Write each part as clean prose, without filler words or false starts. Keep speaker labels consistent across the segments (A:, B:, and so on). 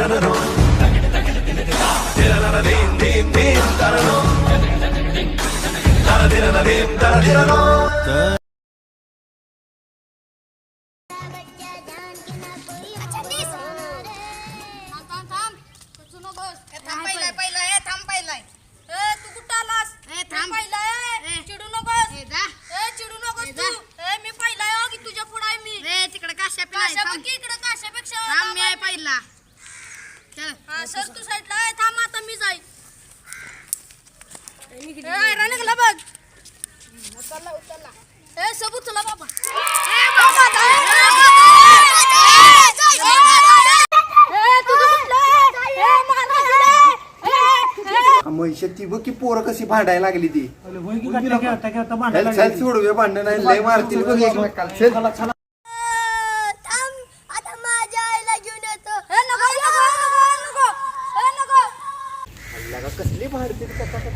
A: ती बघ की पोरं कशी भांडायला लागली ती सोडवे भांडण नाही लय मारतील बघ एकमेकाला. कसली भांडतील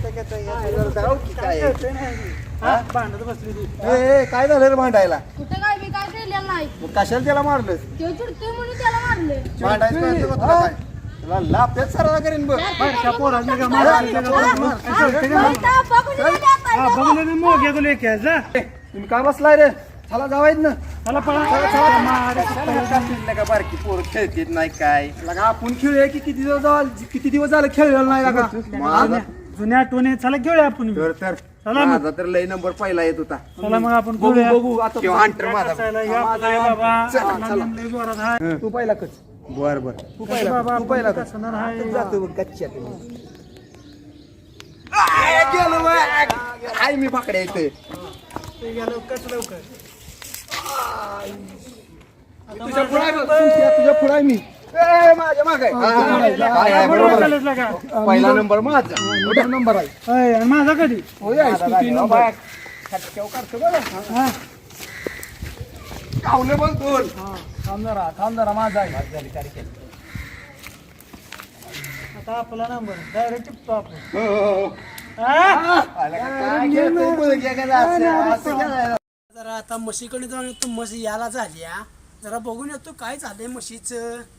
B: भांडत बसली ती.
A: काय झालं रे भांडायला?
C: कुठे काय मी काय केलेलं नाही.
A: कशाला त्याला मारलं?
C: ते चिडतोय म्हणून त्याला मारले.
A: भांडायचं लापेत सराव करीन बघ. तुम्ही का बसलाय रे? चला जावायत ना. का बारकी पोर खेळतेत नाही काय लगा आपण खेळूया की किती दिवस झालं खेळलेलं नाही लगा.
B: जुन्या आठवणी चला खेळूया आपण.
A: तर माझा तर लय नंबर पहिला येत होता.
B: चला मग आपण
A: बघू आता हंटर माझा.
B: तू पहिला कच.
A: बर बर तू पहिला
B: जातो
A: काय मी पाकड्या येतोय तुझ्या पुढे आहे मी माझ्या माग पहिला नंबर माझा मोठा नंबर आहे
B: माझा कधी
A: कावले बघ दोन
B: थांब जरा माझा आहे. आता आपला नंबर डायरेक्ट टिपतो आपण. जरा आता म्हशीकडे जाऊन येतो. म्हशी याला झाल्या जरा बघून येतो काय झालंय म्हशीच.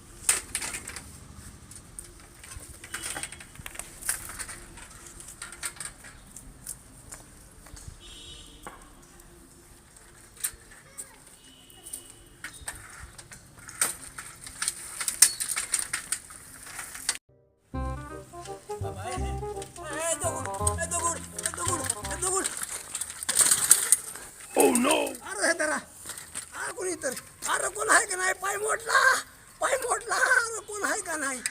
B: कोणी तर अरे कोण आहे का नाही? पाय मोडला अरे कोण आहे का नाही?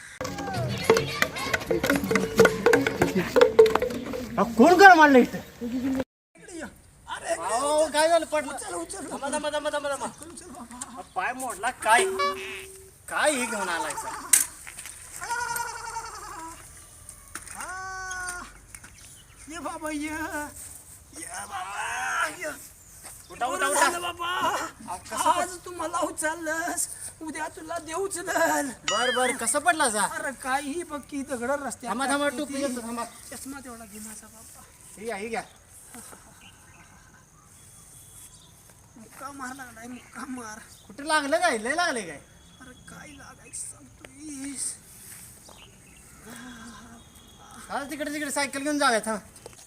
B: कोण कर मारलं इथं? अरे काय झालं? पडलं. पाय मोडला काय हे घेऊन आलाय ये बाबा आज तुम्हाला उचललंस उद्या तुला देऊ उचलल. बर कसं पडला जा? अरे काही पक्की दगड रस्ते. चष्मा तेवढा घे माझा बाबा. हे घ्या. मुक्का मार लागलाय. मुक्का मार. कुठे लागलं काय? लय लागले काय? अरे काय लागायचं सांगतोयस? तिकडे सायकल घेऊन जाऊयात. हा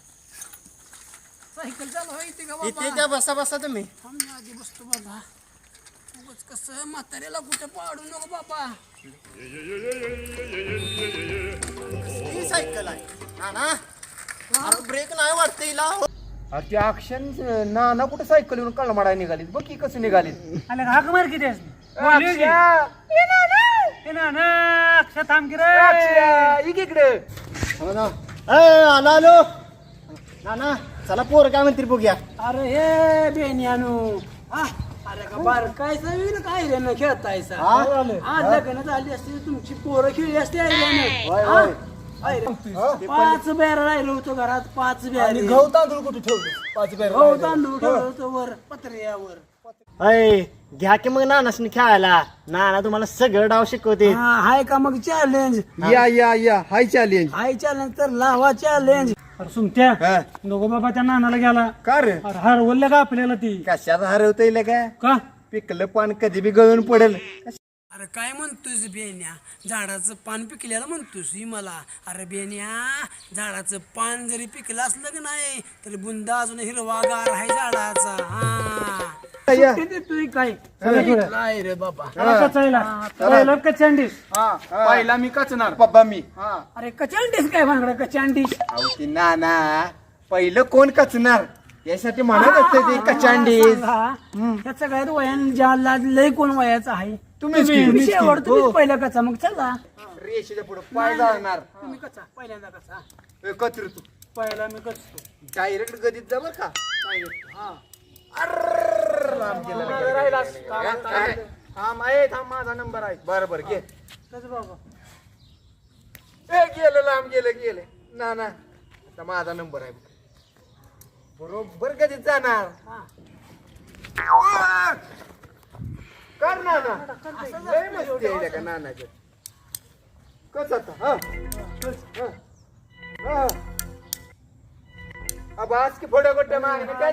B: सायकल चालू इथे का इथे त्या बसा तुम्ही. आधी बसतो बाबा. उगाच कसं म्हाताऱ्याला कुठे पाडू नको बाबा. ही सायकल आहे ना ब्रेक नाही वाटते हिला.
A: ते अक्षण ना कुठे सायकल येऊन कळ मारायला निघालीत बघ की कसं निघालीत.
B: हाक मार किती थांब की रे इकडे.
A: आलो ना चला पोर काय म्हणतील बघूया.
B: अरे हे बेनियानू अरे का बार काय सवीन काय रे न खेळतायसा. आज लग्न झाली असते तुमची पोरं खेळली असते. 5 बेर राहिलो होतो घरात. 5 बेर
A: गहू तांदूळ कुठे ठेवले? 5 बेर
B: गहू तांदूळ ठेवलं होतं वर पत्र्यावर.
D: घ्या की मग नानासनी खेळायला. नाना तुम्हाला सगळं डाव शिकवते.
B: हाय का मग चॅलेंज?
A: या हाय चॅलेंज.
B: हाय चॅलेंज तर लावा चॅलेंज. अरे सुमत्या नको बाबा त्या नानाला गेला
A: का रे?
B: अरे हरवलं का आपल्याला ती?
A: कशात हरवता येईल
B: का?
A: पिकलं पान कधी बी गळून पडेल.
B: अरे अरे काय म्हणतोस बेन्या झाडाचं पान पिकलेलं म्हणतोस ही मला अरे बेन्या झाडाचं पान जरी पिकलं असलं की नाही तरी बुंदा अजून हिरवागार आहे झाडाचा सुट्टी देतोय काय काय रे बाबा
A: पहिला मी कचणार बाबा मी
B: अरे कचांडीस काय भांगडा कचांडीस
A: अहो ती नाना पहिलं कोण कचणार यासाठी म्हणत असते ते कचांडीस
B: या सगळ्यात वयान ज्याला लय कोण वयाचा आहे
A: तुम्हीच की.
B: तुम्ही शेवट तुम्हीच पहिला कचा मग चला
A: रेषेच्या पुढे पाय जाणार
B: तुम्ही कचा पहिल्यांदा कचा
A: कचर तू
B: पहिला मी कचतो
A: डायरेक्ट गदीत जा बर का थांब माझा नंबर आहे बरोबर घे
B: कसं बाबा
A: गेलं लांब गेले ना आता माझा नंबर आहे बरोबर कधीच जाणार कर ना लय मस्ती आहे का नानाचं कस आता बास की फोडे गोटे मागणे काय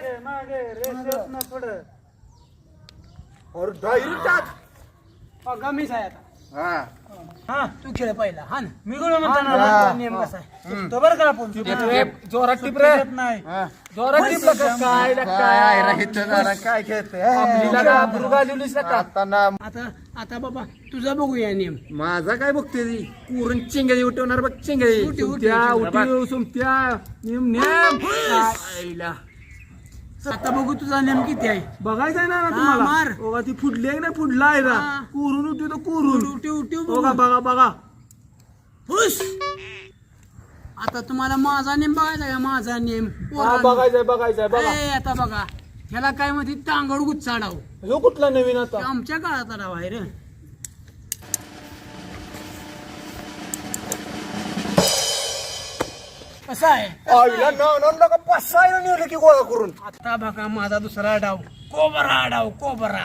A: और डायरेक्ट
B: गमीच आहे आता
A: हा
B: तू खेळ पहिला हा ना
D: मी कोण म्हणतो
A: हा.
D: ना नियम कसा आहे तो बरं का आपण
A: जोरात टिप रे
D: नाही
A: जोरात टिप काय काय खेळते आता ना
B: आता बाबा तुझा बघूया नियम
A: माझा काय बघते ती कुरून चिंगळी उठवणार बघ चिंगळी सुमत्या नेम आईला
B: आता बघू तुझा नेम किती आहे
D: बघायचं आहे ना
B: मार.
D: तुम्हाला बघा ती फुटली आहे ना फुटला आहे ना
B: हा.
D: कुरून उठी तो कुरून
B: उठीव
D: बघा बघा बघा
B: हुश आता तुम्हाला माझा नेम बघायचा का माझा नेम पोरांनो.
D: बघायचंय
B: ए, आता बघा ह्याला काय म्हणते टांगड गुच्छाडाव
D: ह्यो कुठला नवीन आता
B: आमच्या काळात डाव आहे रे कसा आहे
A: आईला नका पाच सहा निवडलं की गोळा करून
B: आता बघा माझा दुसरा डाव कोबरा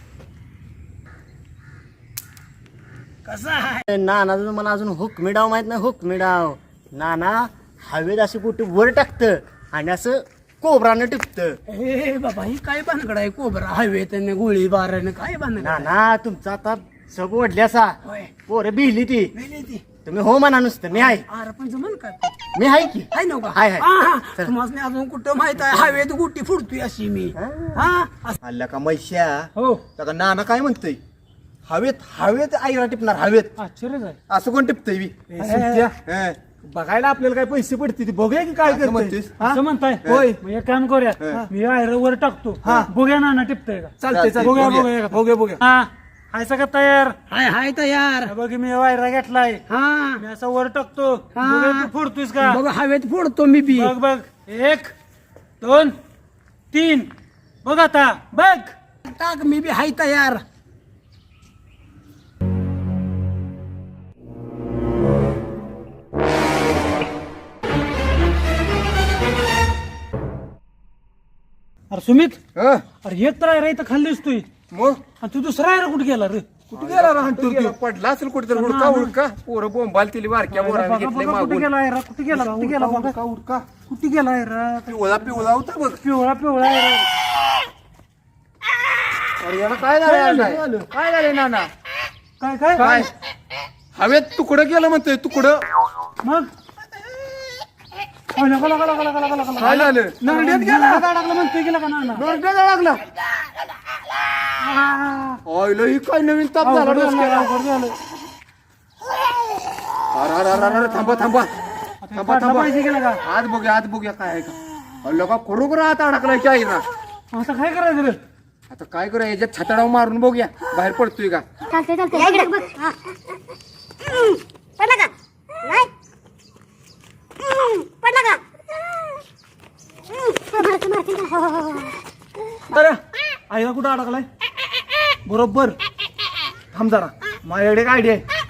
B: कसा आहे
D: नाना मला अजून हुकमी डाव माहित नाही हुकमी डाव नाना हवेत अशी कुठे वर टाकतं आणि असं कोबरानं टिपतं
B: हे बाबा ही काय भानगड आहे कोबरा हवेत गोळी बाराने काय भानगड आहे?
D: नाना तुमचा आता सब ओढली असा
B: होय
D: पोरं भिली ती
B: मेली ती
D: तुम्ही हो म्हणा नुसतं मी आहे
B: अरे पण जमन काय
D: मी आहे की
B: आहे नव्हता
D: हाय, हाय.
B: तुम्हाला अजून कुठं माहित आहे हवेत गुट्टी फुडतोय अशी मी हा असं-
A: आल्या का मैश्या
B: हो
A: का नाना काय म्हणतोय हवेत आईला टिपणार हवेत
D: आश्चर्यच आहे
A: असं कोण टिपतय मी
D: बघायला आपल्याला काय पैसे पडते बघूया की काय
A: असं म्हणतेस?
D: करते असं म्हणताय
A: होय.
D: मग एक काम करूया मी आयरा वर टाकतो बघूया नाना टिपतोय का
A: चालतंय,
D: बघूया
A: बघूया.
D: बघूया हा हाय सगळं तयार
B: हाय तयार
D: बघ मी वायरा घेतलाय
B: हा
D: मी असं वर टाकतो
B: हा.
D: बघूया तू फोडतोयस का
B: बघ हवेत फोडतो मी बी
D: बघ बघ 1 2 3 बघ आता बघ
B: टाक मी बी हाय तयार
D: अरे सुमित
A: हं?
D: अरे एक तर आहे रे इथं खाल्लीस तू
A: मग
D: आणि तू दुसरा आहे रे कुठे गेला रे
A: कुठे गेला राहतो पडला असेल कुठेतरी उडका पोरं बोंबाल तिली वारक्या बोराने
D: बघा,
A: घेतले
D: बघा, कुठे
A: मागून
D: गेला आहे रा कुठे गेला बघा.
A: उडका
D: कुठे गेला आहे रा
A: पिवळा होता बघ
D: पिवळा आहे रा.
A: अरे याला काय झालं काय झालंय नाना
D: काय काय
A: काय हवेत तुकडं गेलं म्हणतोय तुकडं
D: मग
A: काय झालं
D: नरड्यात गेला अडकला म्हणतोय गेला का नाना
A: नरड्याला लागला ऑइल ही काय नवीन ताप झाला डोसक्याला. अरे थांबा
D: पाहिजे गेला का
A: आज बघूया काय आहे का लोक खरोखर आता अडकलाय की आहे ना
D: आता काय करायचं रे
A: आता काय करूया याच्यात छताडाव मारून बघूया बाहेर पडतोय का
C: चालते बघ हा. पडला का नाही पडला का मारते का
D: अरे आईला कुठं अडकलाय बरोबर थांब जरा माझ्याकडे काय आयडिया आहे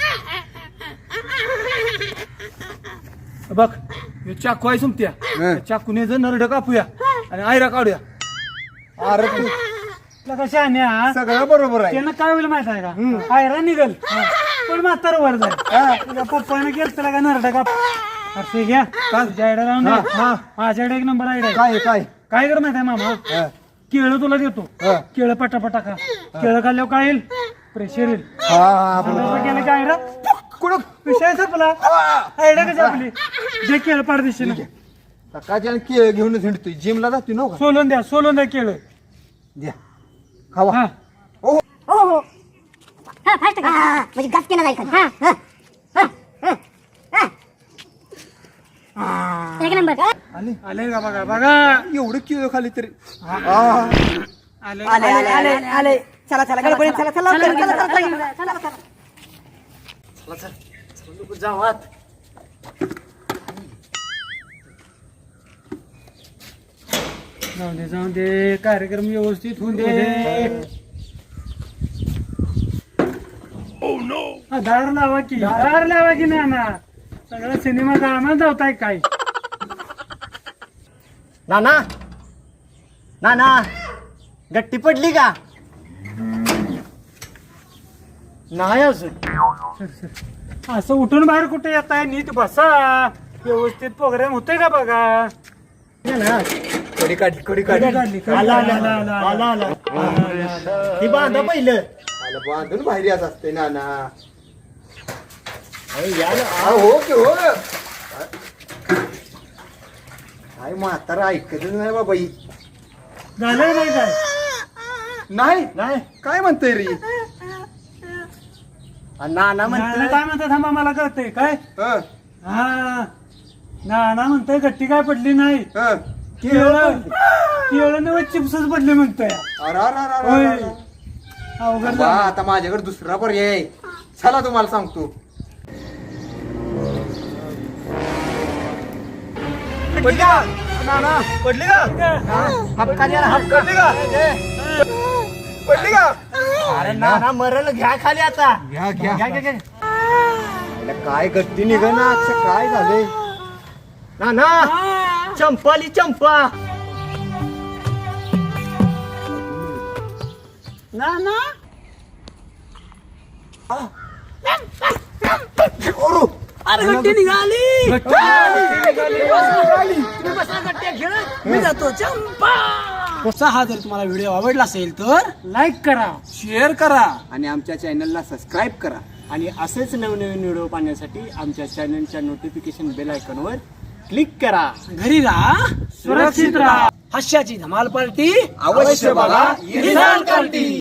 D: बघ हे चाकू आहे सुमत्या
A: हं.
D: चाकूने जर नरड कापूया आणि आयरा काढूया
A: अरे तू
D: कशा आणण्या
A: सगळं बरोबर आहे
D: त्यांना काय होईल माहित आहे का आयरा निघल पण म्हातार वर जाईल तुझ्या पप्पाने केलं त्याला का नरड काप अरे घ्या तुझ्या आयडिया राहून दे. माझ्याकडे एक नंबर आयडिया काय कर माहित आहे मामा केळं तुला देतो केळं पटापटा खा केळं खाल्ल्यावर काय येईल प्रेशर येईल
E: हा
D: 100 रुपये गेले काय रे
E: कुठं
D: विषय संपला आयडिया कशी आपली जे केलं पारदेशीनं
E: सकाळच्या केळ घेऊन हिंडतोय जिमला जातोय ना
D: सोलून द्या केलं
E: द्या खावा
D: हा
C: हो हो हा फास्ट का म्हणजे गप केला जाईल खाली. हा हा हा हा हा. एक नंबर
E: आले
D: आले का बघा
E: एवढं केळ खाली तरी
D: आले
B: आले चला चला गडबडीत चला चला
D: जाऊन दे कार्यक्रम व्यवस्थित होऊन दे दार लावा की ना सगळा सिनेमा जाणार जावताय काय
B: नाना नाना गट्टी पडली का नाही अजून
D: असं उठून बाहेर कुठे येत आहे नीट बसा व्यवस्थित प्रोग्राम होतोय का बघा
E: कडी काढली
B: आला ती बांधा पहिलं
E: आला बांधून बाहेर याच असते नाना
B: यार
E: हो की हो काय म्हातारा ऐकतच नाही बाबा ही
D: झालंय नाही काय
E: नाही
B: नाही
E: काय म्हणतोय रे
B: नाना
D: नाना काय म्हणतात थांबा मला कळतंय काय
E: हं,
D: हा नाना म्हणतोय गट्टी काय पडली नाही
E: हं.
D: केळं नव्हे चिप्सच पडले म्हणतोय होय. अवघड
E: बा,
D: झालं.
E: आता माझ्याकडे दुसरा पर्याय आहे. चला तुम्हाला सांगतो
B: पडली का नाना पडली का हपका द्या हपका
E: पडली का
B: अरे नाना मरल घ्या खाली आता
E: घ्या घ्या
B: घ्या
E: याला काय गट्टी निघना आजचं काय झालंय
B: नाना चंपाली चंपा नाना अरे गट्टी निघाली तुम्ही बसा गट्ट्या खेळत मी जातो चंपा
F: कसा हा जर तुम्हाला व्हिडिओ आवडला असेल तर
D: लाईक करा
F: शेअर करा
E: आणि आमच्या चॅनलला सबस्क्राईब करा
B: आणि असेच नवनवीन व्हिडिओ पाहण्यासाठी आमच्या चॅनलच्या नोटिफिकेशन बेल आयकॉनवर क्लिक करा
F: घरी राहा
D: सुरक्षित राहा
F: हास्याची धमाल पार्टी
E: अवश्य बघा
F: इन्स्टंट पार्टी